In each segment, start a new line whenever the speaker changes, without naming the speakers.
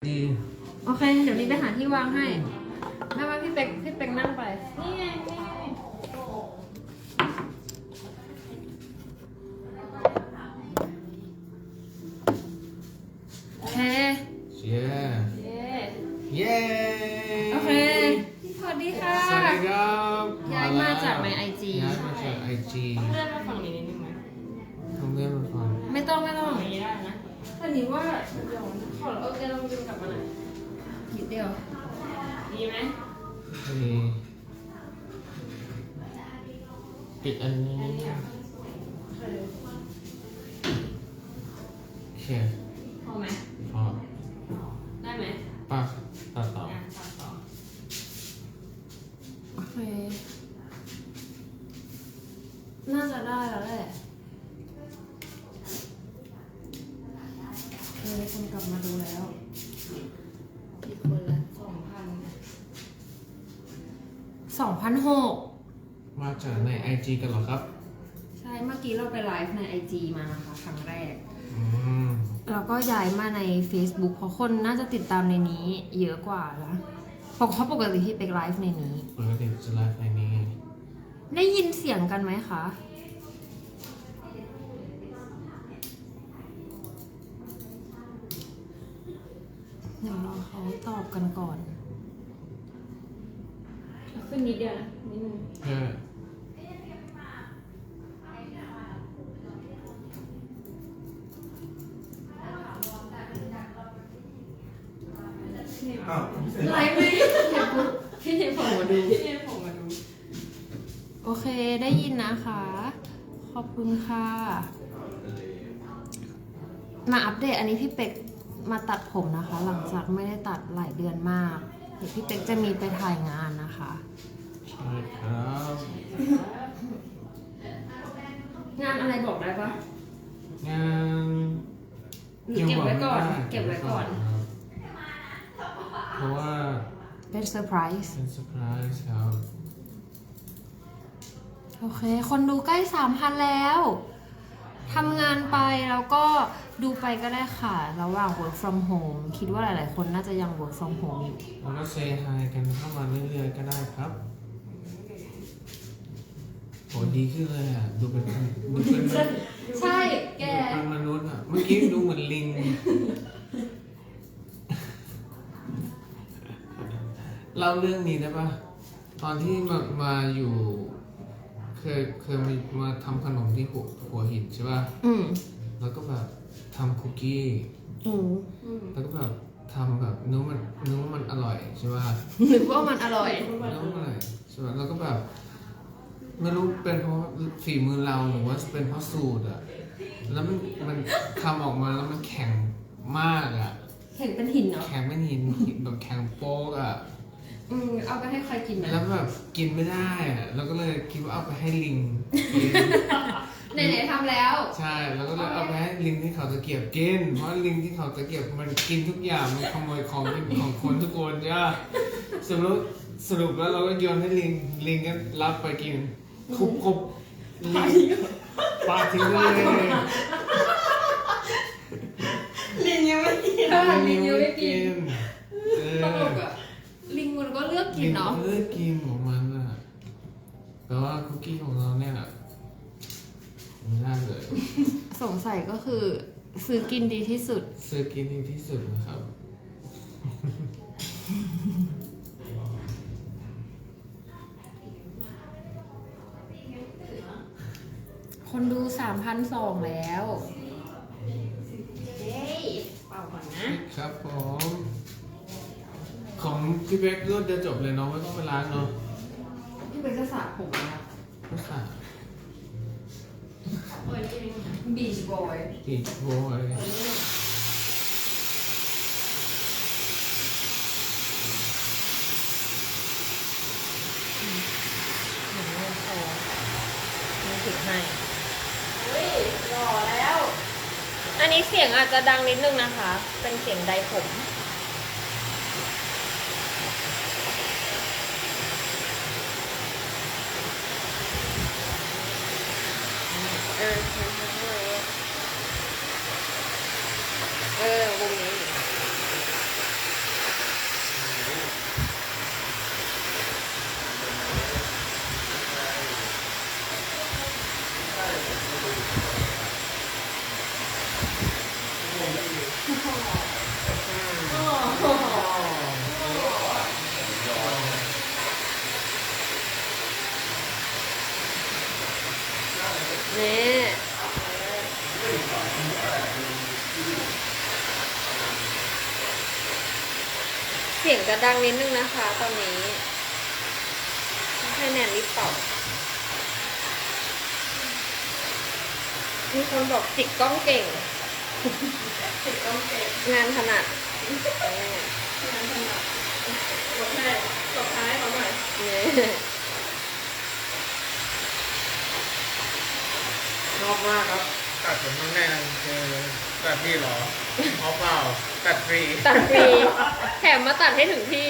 ดี
โอเค เดี๋ยวนี้ไปหาที่วางให้แม่ว่าพี่เป็กนั่งไป นี่ไงนี่ไงโอเค
เย้
เย้
เย้
โอเค สวัสดีค่ะ
สวัสดีครับ
ย้ายมาจากใน IG
ย้ายมาจาก IG
เลื่อนมาฝั่งนี้นิดนึงไหม
ทำเรื่องมาฟัง
ไม่ต้องอย่างนี้ได้นะแต่นี้ว่าเดี๋ยวขอโอเคลองดึงกลับมาหน่อยนิดเดียวดีไหม
นี่ปิดอันนี้
อันนี้อ่ะ
โอเค
พอไหม
พอ
ได้ไหม
ปักตัดต่อ
ตัดต่อโอเค น่าจะได้แล้วแหละมีคนกลับมาดูแล้วกี่คนละ2,600
มาจากใน IG กันเหรอครับ
ใช่ เมื่อกี้เราไปไลฟ์ใน IG มานะคะครั้งแรก
อืม
แล้วก็ย้ายมาใน Facebook เพราะคนน่าจะติดตามในนี้เยอะกว่าแล้วเพราะปกติที่ไปไลฟ์ในนี้
ปกติจะไลฟ์ในนี้
ได้ยินเสียงกันไหมคะ เดี๋ยวรอเขาตอบกันก่อนขึ้นนิดเดียวนะนิดนึง
เพื่อ
ไลฟ์ไม่พี่เทผมมาดูโอเคได้ยินนะคะ ขอบคุณค่ะ มาอัปเดตอันนี้พี่เป็กมาตัดผมนะคะ หลังจากไม่ได้ตัดหลายเดือนมากเดี๋ยวพี่เป็กจะมีไปถ่ายงานนะคะ
ใช่ครับ
งานอะไรบอกได้ปะ
งาน
หรือเก็บไว้ก่อน เก็บไว้ก่อน
ครับเพราะว่า
เป็นเซอร์ไพรส์
เป็นเซอร์ไพรส์ครับ
โอเค คนดูใกล้ 3,000 แล้วทำงานไปแล้วก็ดูไปก็ได้ค่ะ ระหว่าง work from home คิดว่าหลายๆ คนน่าจะยัง work from home อยู่
แล้วก็เซฮายกันเข้ามาเรื่อยๆก็ได้ครับโหดีขึ้นเลยอ่ะ ดูเป็น
ใช่แก
เป็นมนุษย์อ่ะ เมื่อกี้ดูเหมือนลิง เล่าเรื่องนี้ได้ปะตอนที่มาอยู่ เคยมาทำขนมที่หัวหินใช่ปะ
อืม
แล้วก็แบบทำคุกกี้
อืม
แล้วก็แบบทำแบบนึกว่ามันอร่อยใช่ปะ
นึกว่ามันอร่อย
นึกว่ามันอร่อยใช่ปะแล้วก็แบบไม่รู้เป็นเพราะฝีมือเราหรือว่าเป็นเพราะสูตรอะแล้วมันทำออกมาแล้วมันแข็งมากอะ
เห็นเป็นหินเนาะ
แข็งเป็นหินแบบแข็งโป๊กอะ
เอาไปให้ใครกินไหม
แล้วแบบกินไม่ได้อะแล้วก็เลยคิดว่าเอาไปให้ลิงกิน
ไหนๆทำแล้ว
ใช่ แล้วก็เลยเอาไปให้ลิงที่เขาตะเกียบกิน เพราะลิงที่เขาตะเกียบมันกินทุกอย่าง มันขโมยของกินของคนทุกคนใช่ปะสรุปแล้วเราก็โยนให้ลิงก็รับไปกินคุบลิงปาทิ้งเลย
ลิงยังไม่กินลิงยังไม่กิน
เอ
ตล
อก
อะลิงมันก็เลือกกินเนาะ
ลิงเลือกกินของมันอะแต่ว่าคุกกี้ของเราเนี่ยไม่ได้เลย
สงสัยก็คือซื้อกินดีที่สุด
ซื้อกินดีที่สุดนะครับ
คนดู 3,200 แล้วเฮ้ยเป่าก่อนนะ
ครับผม ของพี่เบ๊กรวดเดียวจบเลยเนาะไม่ต้องไปล้างเนาะ
พี่เป็นจะสระผมนะ
ไม่สา
บีชบอย
ปีกโวย
เหมือนเงินโตมีติดให้อุ้ยหล่อแล้ว อันนี้เสียงอาจจะดังนิดนึงนะคะ เป็นเสียงไดผมวงนี้เสียงจะดังนิดนึงนะคะตอนนี้ให้แนนรีบเป่ามีคนบอกจิกกล้องเก่ง
ติดต้องเก็บ
งานถนัด
งานถนัดกดให้กดท้ายเขาหน่อย
เนี่ย
ชอบมากครับตัดผมข้างในคือตัดที่หรอเอาเปล่าตัดฟรี
ตัดฟรี แถมมาตัดให้ถึงที่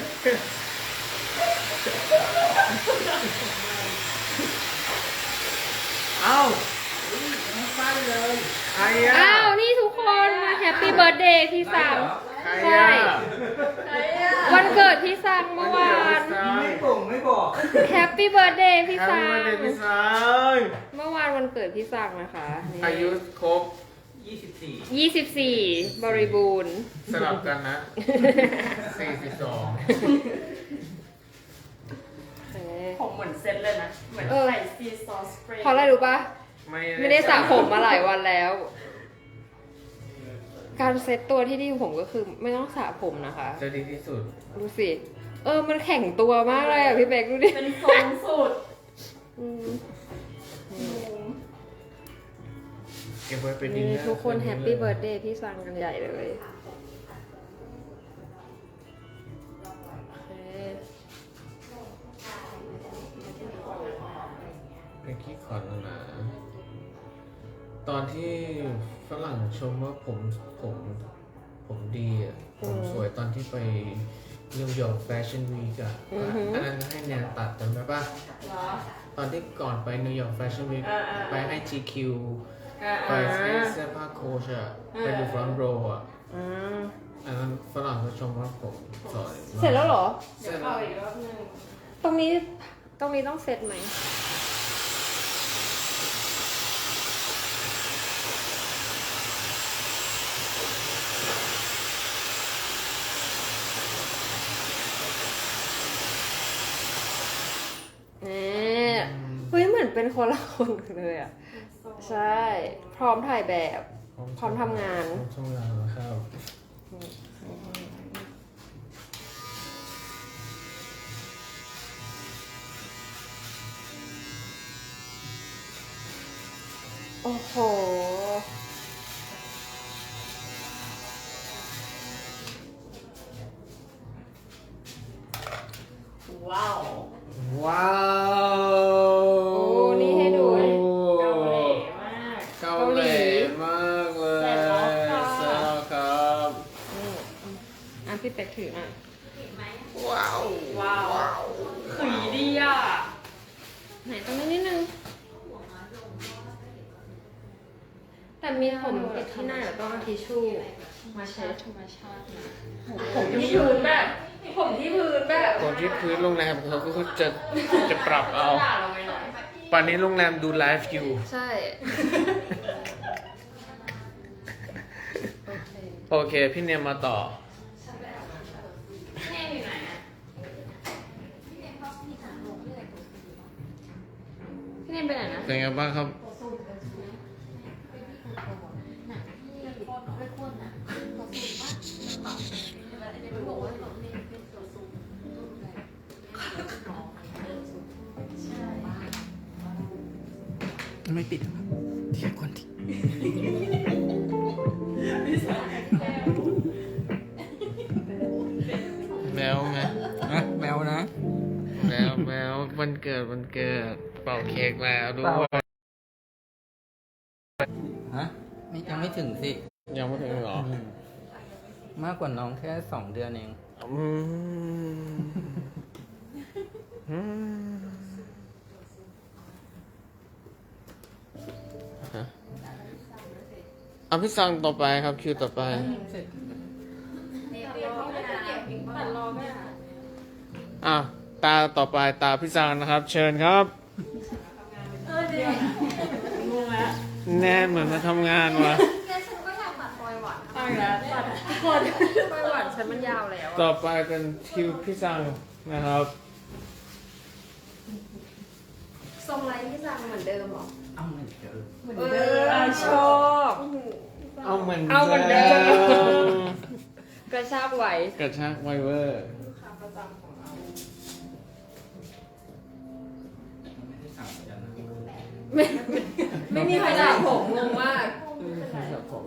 เอ้า
สั้นเลย
ใครอ่ะ
อ้าว นี่ทุกคนมาแฮปปี้เบิร์ดเดย์พี่สัง
ใคร
ใช่
อ่ะ
ใครอ่ะ
วันเกิดพี่สังเมื่อวาน
ไม่บอก
แฮปปี้เบิร์ดเดย์พี่
ใคร
สัง
มาเด็กพี่สาว
เมื่อวานวันเกิดพี่สังนะคะนี่
อายุครบ
24 บริบูรณ์
สลับกันนะ 42
ผมเหมือนเซ็ตเลยนะ เหมือนใส่ซีซอสสเปรย์
เพราะอะไรรู้ปะไม่ได้สระผมมาหลายวันแล้ว การเซ็ตตัวที่ดีของผมก็คือไม่ต้องสระผมนะคะ
จะดีที่สุด
ดูสิ มันแข็งตัวมากเลยอ่ะพี่เบกดูดิ
เป็นทรงสูตร
อืม
เก็บไว้เป็นดิน
นี่
เนอร์
ทุกคนแฮปปี้เบิร์ดเดย์พี่สังกันใหญ่เลยโอเค
เป็นขี้ขอนนะตอนที่ฝรั่งชมว่าผมดีอ่ะ ผมสวยตอนที่ไปนิวยอร์กแฟชั่นวีคอ่ะอันนั้นก็ให้แนนตัดจำได้ปะ
เหรอ
ตอนที่ก่อนไปนิวยอร์กแฟชั่นวีค
อ่า
ไปให้ GQ
อ่า
ไปให้เสื้อผ้าโค้ชอ่ะ ไปดูฟรอนต์โรอ่ะ
อ่า
อันนั้นฝรั่งเขาชมว่าผมสวยมาก
เสร็จแล้วเหรอ
เสร็จ
เอา
แล้ว
อีกรอบหนึง
ตรงนี้ต้องเซตไหม นี่เฮ้ยเหมือนเป็นคนละคนเลยอ่ะ ใช่ พร้อมถ่ายแบบ พร้อมทำงาน
พร้อมทำงานแล้วครับ
โอ้โห
ว้าว
ว้าว
โอ้นี่ให้ดู
เกาหลีมาก
เกาหลีมากเลย
เสร็จแล้วค่ะ
เสร็จแล้วครับ
พี่เป็กถือหน่อย
ว้าว
ว้าวขุยดีอ่ะ
ไหนตรงนี้นิดนึง แต่มีผมติดที่หน้าแล้วต้องเอาทิชชู่มาเช็ด
ธรรมชาตินะผมที่พื้นแบบผมที่พื้นแบบ
คนที่พื้นโรงแรมเขาก็จะปรับเอา
ด่าเราไปหน่อย
ป่านนี้โรงแรมดูไลฟ์อยู่
ใช่
โอเค พี่เนียมมาต่อ
แม่อยู่ไหนอ่ะ
พี่เนมไปไหนนะ
เป็นไงบ้างครับ
ไม่ปิดครับเทียบคนที่
แมวไหม
นะแมวนะ
แมววันเกิดเป่าเค้กแล้วด้วย
ฮะนี่ยังไม่ถึงสิ
ยังไม่ถึงเหรอ
มากกว่าน้องแค่2 เดือนเอง
อืมอืมฮะเอาพี่ซังต่อไปครับคิวต่อไป
ตัดรอแม่ค่ะ
อ่ะตาต่อไปตาพี่ซังนะครับ เชิญครับ
เดี๋ยวงงแล้ว
แน่เหมือนมาทำงานวะ
เอาอีกแล้วตัดทุกคน
ปลายหวานฉันมันยาวแล้ว
ต่อไปเป็นคิวพี่ซังนะครับ
ทรงไรพี่สังเหมือนเดิมเหรอ
เอาเหมือนเดิม
ชอบ
เอาเหมือน
เอาเหมือนเดิม
ม
กระชากไหว
กระชากไวเวอร์
ลูกค้าประจำของเรา
ไม่มีใครด่าผมงงมาก
ครับผม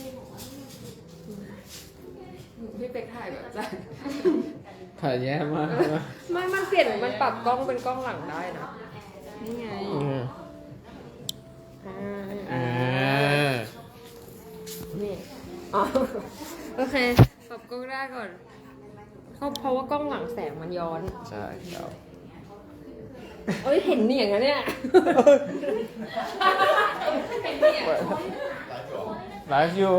พี่เป็กถ่ายแบบจ้ะ
ถ่ายแย่มาก
ไม่มันเปลี่ยนมันปรับกล้องเป็นกล้องหลังได้นะ นี่ไง นี่ อ๋อ โอเค ปรับกล้องได้ก่อนเพราะว่ากล้องหลังแสงมันย้อน
ใช่ครับ
เอ้ย เห็นเหนียงนะเนี่ย เห็นเหนียง
ไลฟ์อยู่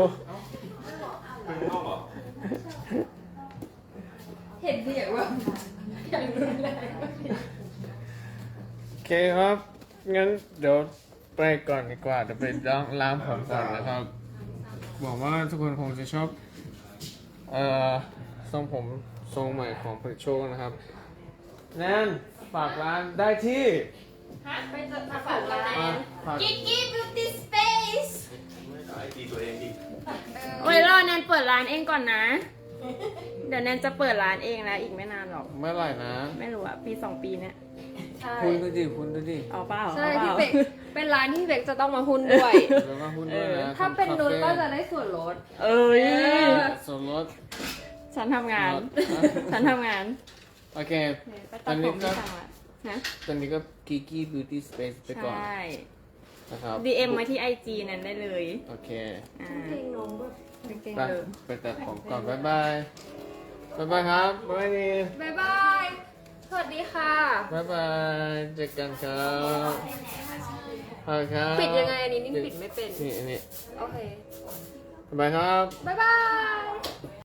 เห็นเหนียงว่ะอย่างรุนแรง
โอเคครับ งั้นเดี๋ยวไปก่อนดีกว่าเดี๋ยวไปล้างผมก่อนนะครับหวังว่าทุกคนคงจะชอบทรงผมทรงใหม่ของผลิตโชคนะครับแนนฝากร้านได้ที่
ไปจะมาฝากร้าน
ฝาก
Kiki Beauty Space
โอ้ยรอแนนเปิดร้านเองก่อนนะ เดี๋ยวแนนจะเปิดร้านเองแล้วอีกไม่นานหรอก
เมื่อไหร่นะ
ไม่รู้อะปี2 ปีเนี่ย
ใช่
คุณดูดิคุณดูดิ
เอาเปล่า
ใช่
เอาเป
พี่
ล่า
เป็กเป็นร้านที่พี่เป็กจะต้องมาหุ้นด้วย
เดี๋ยวมาหุ้นด้วยนะ
ถ้าเป็นนุช
คาฟ่
ก็จะได้ส่วนลด
เอ้ย
ส่วนลด
ฉันทำงาน
ลด
ฉันทำงาน
โอเค
ไปตัดผมที่สั่งละนะ
ตอนนี้ก็ Kiki Beauty Space ไปก่อน
ใช่
นะครับ
DM มาที่ IG นั้นได้เลย
โอเค
อ่า
เพลงน้องแบบ
เก่ง
ไป
ๆเลย
ไปตัดผมก่อน บ๊ายบาย บ๊ายบายครับบ๊ายบายนี่
บ๊ายบาย สวัสดีค่ะ
บ๊ายบายเจอกันครับครับ
ปิดยังไงอันนี้นิ่งปิดไม่เป็น
นี่อันนี้
โอเค
บ๊ายบายครับ
บ๊ายบาย